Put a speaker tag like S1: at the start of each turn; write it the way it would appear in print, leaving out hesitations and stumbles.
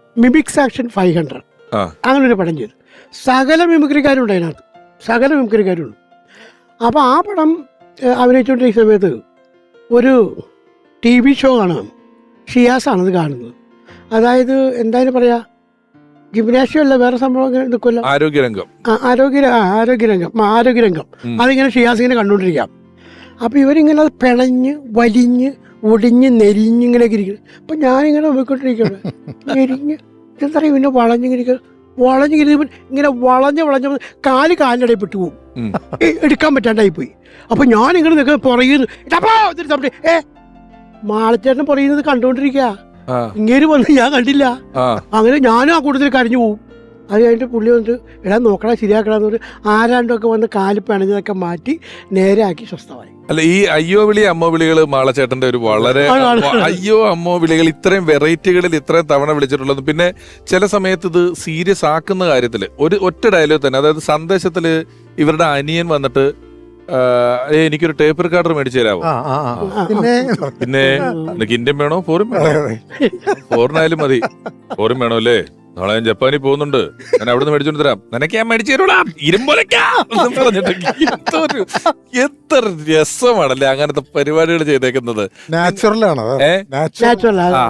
S1: Mimics action 500
S2: ആ.
S1: അങ്ങനെ ഒരു പടം ചെയ്തു. സകല മിമിക്രിക്കാരും അതിനകത്ത്, സകല മിമിക്രിക്കാരും ഉണ്ട്. അപ്പോൾ ആ പടം അഭിനയിച്ചുകൊണ്ടിരിക്കുന്ന സമയത്ത് ഒരു TV ഷോ കാണാം. ഷിയാസാണത് കാണുന്നത്. അതായത് എന്തായാലും പറയാ, ജിംനാഷ്യം അല്ല, വേറെ സംഭവം ഇങ്ങനെ നിൽക്കുമല്ലോ,
S2: ആരോഗ്യരംഗം.
S1: ആരോഗ്യരംഗം അതിങ്ങനെ ഷിയാസ് ഇങ്ങനെ കണ്ടുകൊണ്ടിരിക്കാം. അപ്പോൾ ഇവരിങ്ങനെ അത് പിണഞ്ഞ് വലിഞ്ഞ് ഒടിഞ്ഞ് നെരിഞ്ഞിങ്ങനെയൊക്കെ ഇരിക്കുന്നു. അപ്പം ഞാനിങ്ങനെ നോക്കിക്കൊണ്ടിരിക്കുകയാണ്, നെരിഞ്ഞ് എന്താ പറയുക, പിന്നെ വളഞ്ഞിങ്ങനെ ഇങ്ങനെ വളഞ്ഞ് കാലിൻ്റെ ഇടയിൽ പെട്ടു പോകും, എടുക്കാൻ പറ്റാണ്ടായി പോയി. അപ്പം ഞാനിങ്ങനെ നിൽക്കുക പുറകിൽ മാളച്ചേട്ടൻ പറയുന്നത് കണ്ടുകൊണ്ടിരിക്കുക. ഇങ്ങേര് വന്ന് ഞാൻ കണ്ടില്ല. അങ്ങനെ ഞാനും ആ കൂട്ടത്തിൽ കരഞ്ഞു പോകും. അത് കഴിഞ്ഞിട്ട് പുള്ളി വന്നിട്ട് എടാ നോക്കടാ ശരിയാക്കടാന്ന് പറഞ്ഞ് ആരാണ്ടൊക്കെ വന്ന് കാല് പിണഞ്ഞതൊക്കെ മാറ്റി നേരെയാക്കി സ്വസ്ഥമായി.
S2: അല്ല, ഈ അയ്യോ വിളി അമ്മോ വിളികള് മാളച്ചേട്ടന്റെ ഒരു വളരെ അയ്യോ അമ്മോ വിളികൾ ഇത്രയും വെറൈറ്റികളിൽ ഇത്രയും തവണ വിളിച്ചിട്ടുള്ളത്. പിന്നെ ചില സമയത്ത് ഇത് സീരിയസ് ആക്കുന്ന കാര്യത്തില് ഒറ്റ ഡയലോഗ് തന്നെ, അതായത് സന്ദേശത്തില് ഇവരുടെ അനിയൻ വന്നിട്ട് എനിക്കൊരു ടേപ്പ് റെക്കോർഡർ മേടിച്ചു തരാമോ, പിന്നെ നിനക്ക് ഇന്ത്യൻ വേണോ ഫോറിൻ വേണോ, ഫോറിനായാലും മതി, ഫോറിൻ വേണോ അല്ലേ, നാളെ ഞാൻ ജപ്പാനിൽ പോകുന്നുണ്ട്, ഞാൻ അവിടുന്ന് മേടിച്ചോണ്ട് തരാം, നിനക്ക് ഞാൻ മേടിച്ചു തരൂടാ പറഞ്ഞിട്ട് എത്ര രസമാണല്ലേ അങ്ങനത്തെ പരിപാടികൾ ചെയ്തേക്കുന്നത്.
S3: നാച്ചുറൽ ആണ്.